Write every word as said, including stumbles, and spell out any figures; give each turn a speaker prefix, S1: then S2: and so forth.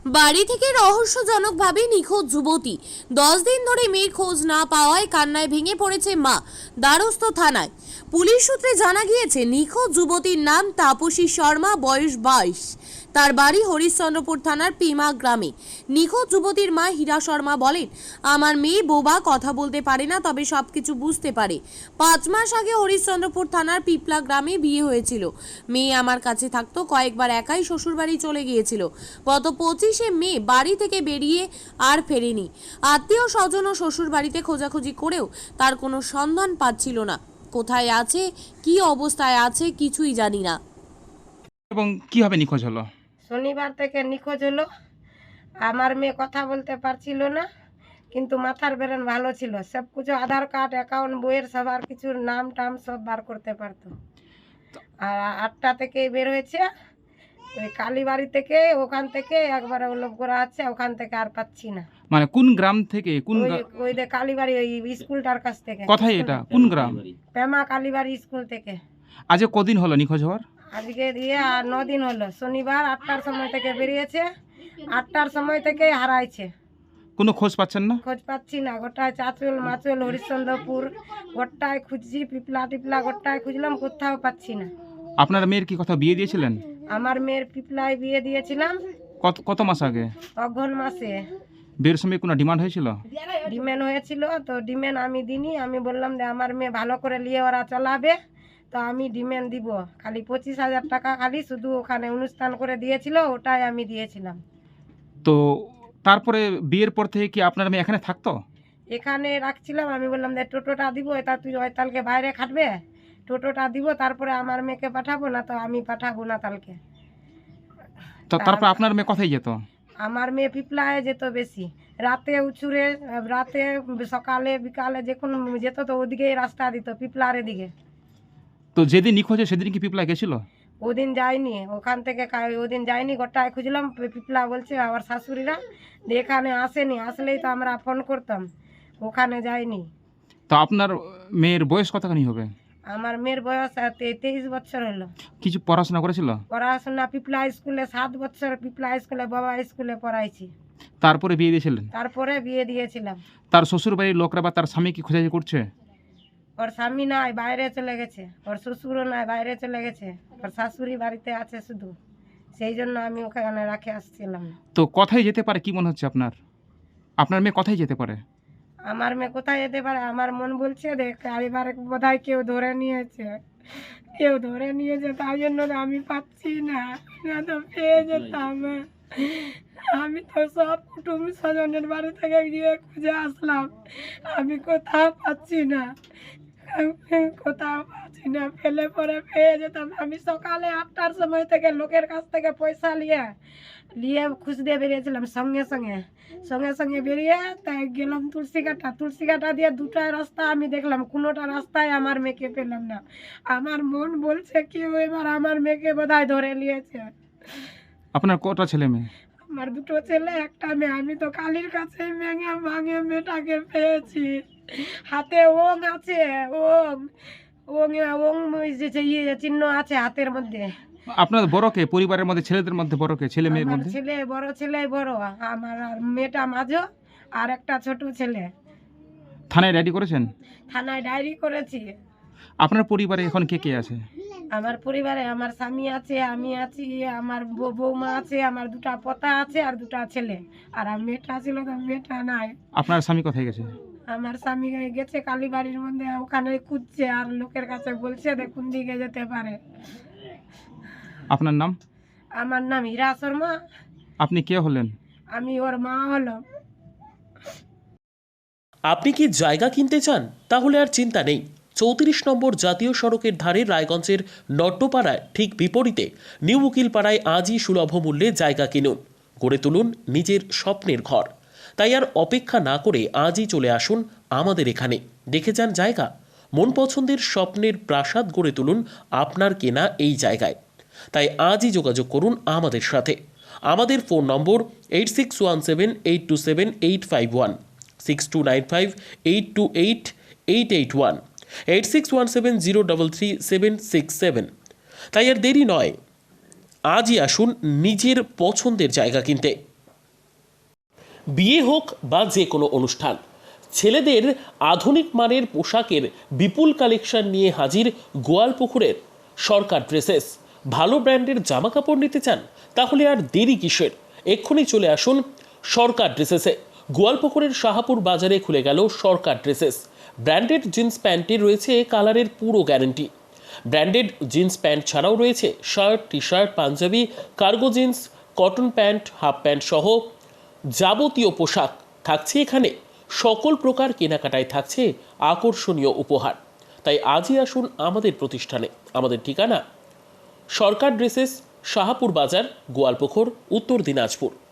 S1: বাড়ি থেকে রহস্যজনকভাবে নিখোঁজ যুবতী। দশ দিন ধরে মেয়ের খোঁজ না পাওয়ায় কান্নায় ভেঙে পড়েছে মা। দ্বারস্থ থানায় পুলিশ সূত্রে জানা গিয়েছে, নিখোঁজ যুবতীর নাম তাপসী শর্মা, বয়স বাইশ। তার বাড়ি হরিশ্চন্দ্রপুর থানার পিমা গ্রামে। নিখোঁজ যুবতীর মা হীরা শর্মা বলেন, আমার মেয়ে বোবা, কথা বলতে পারে না, তবে সব কিছু বুঝতে পারে। পাঁচ মাস আগে হরিশ্চন্দ্রপুর থানার পিপলা গ্রামে বিয়ে হয়েছিল। মেয়ে আমার কাছে থাকতো, কয়েকবার একাই শ্বশুরবাড়ি চলে গিয়েছিল। গত পঁচিশে মে বাড়ি থেকে বেরিয়ে আর ফেরেনি। আত্মীয় স্বজন ও শ্বশুর বাড়িতে খোঁজাখুঁজি করেও তার কোনো সন্ধান পাচ্ছিল না। কোথায় আছে, কি অবস্থায় আছে, কিছুই জানি না।
S2: এবং কিভাবে নিখোঁজ হলো?
S3: শনিবার থেকে নিখোঁজ হলো। আমার মেয়ে কথা বলতে পারছিল না, কিন্তু মাথার ব্রেন ভালো ছিল। সব কিছু আধার কার্ড, অ্যাকাউন্ট, বইয়ের সবার কিছুর নাম টাম সব বার করতে পারতো। আর আটটা থেকে বের হয়েছে ওই কালীবাড়ি থেকে, ওখান থেকে একবারে লোক করা আছে, ওখান থেকে আর পাচ্ছি না।
S2: মানে কোন গ্রাম থেকে? কোন
S3: ওই
S2: গ্রা-
S3: ওই যে কালীবাড়ি ওই স্কুলটার কাছ থেকে।
S2: কোথায় এটা? কোন গ্রাম?
S3: পেমা কালীবাড়ি স্কুল থেকে।
S2: আজ কদিন হলো নিখোঁজ হওয়ার?
S3: আজকে দিয়ে আর ন দিন হলো। শনিবার আটটার সময় থেকে বেরিয়েছে, আটটার সময় থেকে হারাইছে।
S2: কোনো খোঁজ পাচ্ছেন না?
S3: খোঁজ পাচ্ছি না। গোটায় চাঁচল মাচল হরিশ্চন্দ্রপুর গোটায় খুঁজছি, পিপলা টিপলা গোটায় খুঁজলাম, কোথাও পাচ্ছি না।
S2: আপনার মেয়ের কি কথা বিয়ে দিয়েছিলেন?
S3: আমার মেয়ের পিপলায় বিয়ে দিয়েছিলাম
S2: কত কত মাস আগে?
S3: অঘ্রান মাসে।
S2: বিয়ের সময় কোনো ডিমান্ড হয়েছিল?
S3: ডিমেন হয়েছিল, তো ডিমেন আমি দিনি। আমি বললাম যে আমার মেয়ে ভালো করে নিয়ে ওরা চালাবে, তো আমি ডিমেন দিব। খালি পঁচিশ হাজার টাকা খালি শুধু ওখানে অনুষ্ঠান করে দিয়েছিল, ওটাই আমি দিয়েছিলাম।
S2: তো তারপরে বিয়ের পর থেকে কি আপনার মেয়ে এখানে থাকতো?
S3: এখানে রাখছিলাম। আমি বললাম যে টোটোটা দিব, এটা তুই ওইতালকে বাইরে খাটবে, টোটোটা দিব, তারপরে আমার মেয়েকে পাঠাবো, না তো আমি পাঠাবো না তালকে।
S2: তো তারপর আপনার মেয়ে কোথায় যেত?
S3: আমার মেয়ে পিপলায় যেত বেশি, রাতে উচুরে, রাতে সকালে বিকালে যখন যেত তো ওদিকেই রাস্তা দিত, পিপলার দিকে।
S2: তো যেদিন নিখোঁজ হয় সেদিন কি পিপলা গেছিল?
S3: ওদিন যায়নি, ওখান থেকে কা- ওদিন যায়নি। গোটায় খুঁজলাম, পিপলা বলছে আমার শাশুড়িরা যে এখানে আসেনি, আসলেই তো আমরা ফোন করতাম। ওখানে যায়নি।
S2: তো আপনার মেয়ের বয়স কতখানি হবে?
S3: আমার মেয়ের বয়স তে- তেইশ বছর হলো।
S2: কিছু পড়াশোনা করেছিল?
S3: পড়াশোনা পিপলা স্কুলে সাত বছর, পিপলা স্কুলে বাবা স্কুলে পড়াইছি।
S2: তারপরে বিয়ে দিয়েছিলেন?
S3: তারপরে বিয়ে দিয়েছিলাম।
S2: তার শ্বশুর বাড়ির লোকরা বা তার স্বামী কি খোঁজাখুঁজি করছে?
S3: ওর স্বামী নাই, বাইরে চলে গেছে। ওর শ্বশুরও নাই, বাইরে চলে গেছে। ওর শাশুড়ি বাড়িতে আছে শুধু, সেই জন্য আমি ওখানে রাখে আসছিলাম।
S2: তো কোথায় যেতে পারে কি মনে হচ্ছে আপনার? আপনার মেয়ে কোথায় যেতে পারে?
S3: আমার মেয়ে কোথায় যেতে পারে? আমার মন বলছে দেখ এবারে বোধহয় কেউ ধরে নিয়েছে, কেউ ধরে নিয়েছে, তাই জন্য তো আমি পাচ্ছি না, না তো পেয়ে যেতাম। আমি তো সব কুটুম স্বজনের বাড়ি থেকে গিয়ে খুঁজে আসলাম, আমি কোথাও পাচ্ছি না, কোথাও পাচ্ছি না। ফেলে পরে পেয়ে যেতাম। আমি সকালে আটটার সময় থেকে লোকের কাছ থেকে পয়সা নিয়ে নিয়ে খুঁজতে বেরিয়েছিলাম, সঙ্গে সঙ্গে সঙ্গে সঙ্গে বেরিয়ে তাই গেলাম তুলসী কাটা। তুলসী কাটা দিয়ে দুটা রাস্তা আমি দেখলাম, কোনোটা রাস্তায় আমার মেয়েকে পেলাম না। আমার মন বলছে কি এবার আমার মেয়েকে বোধহয় ধরে নিয়েছে।
S2: আপনার কটা ছেলে মেয়ে?
S3: আমার দুটো ছেলে, একটা মেয়ে। আমি তো কালীর কাছে ভেঙে ভাঙে মেয়েটাকে পেয়েছি। হাতে ওং আছে, ওং ওং ওং ওই যে যে ইয়ে চিহ্ন আছে হাতের মধ্যে।
S2: আপনার বড় কে? পরিবারের মধ্যে ছেলেদের মধ্যে বড় কে? ছেলে মেয়ের
S3: আমার
S2: মধ্যে?
S3: ছেলে বড়, ছেলে বড়, আমার আর মেয়েটা মাঝো, আর একটা ছোট ছেলে।
S2: থানায় ডায়েরি করেছেন?
S3: থানায় ডায়েরি করেছি।
S2: আপনার পরিবারে এখন কে কে আছে?
S3: আমার পরিবারে আমার স্বামী আছে, আমি আছি, আমার বৌ- বৌমা আছে, আমার দুটা পোতা আছে আর দুটা ছেলে। আর আমার মেয়েটা ছিল তো মেয়েটা নাই।
S2: আপনার স্বামী কোথায় গেছে?
S3: আমার স্বামী গেছে কালীবাড়ির মধ্যে, ওখানে খুঁজছে আর লোকের কাছে বলছে দেখুন দিকে যেতে পারে।
S2: আপনার নাম?
S3: আমার নাম হীরা শর্মা।
S2: আপনি কে হলেন?
S3: আমি ওর মা হলাম।
S4: আপনি কি জায়গা কিনতে চান? তাহলে আর চিন্তা নেই। চৌত্রিশ নম্বর জাতীয় সড়কের ধারে রায়গঞ্জের নট্টপাড়ায় ঠিক বিপরীতে নিউ উকিলপাড়ায় আজই সুলভ মূল্যে জায়গা কিনুন, গড়ে তুলুন নিজের স্বপ্নের ঘর। তাই আর অপেক্ষা না করে আজই চলে আসুন আমাদের এখানে, দেখে যান জায়গা। মন পছন্দের স্বপ্নের প্রাসাদ গড়ে তুলুন আপনার কেনা এই জায়গায়। তাই আজই যোগাযোগ করুন আমাদের সাথে। আমাদের phone number eight six one seven eight two seven eight five one, six two nine five eight two eight eight eight one, eight six one seven zero double three seven six seven. তাই আর দেরি নয়, আজই আসুন নিজের পছন্দের জায়গা কিনতে। বিয়ে হোক বা যে কোনো অনুষ্ঠান, ছেলেদের আধুনিক মানের পোশাকের বিপুল কালেকশন নিয়ে হাজির গোয়ালপুকুরের সরকার ড্রেসেস। ভালো ব্র্যান্ডের জামা কাপড় নিতে চান? তাহলে আর দেরি কিসের? এক্ষুনি চলে আসুন সরকার ড্রেসেসে। গোয়ালপুকুরের শাহাপুর বাজারে খুলে গেল সরকার ড্রেসেস। ব্র্যান্ডেড জিন্স প্যান্টে রয়েছে কালারের পুরো গ্যারান্টি। ব্র্যান্ডেড জিন্স প্যান্ট ছাড়াও রয়েছে shirt, T shirt, panjabi, cargo jeans, cotton pant, half pant সহ যাবতীয় পোশাক থাকছে এখানে। সকল প্রকার কেনাকাটায় থাকছে আকর্ষণীয় উপহার। তাই আজই আসুন আমাদের প্রতিষ্ঠানে। আমাদের ঠিকানা সরকার ড্রেসেস, শাহাপুর বাজার, গোয়ালপুকুর, উত্তর দিনাজপুর।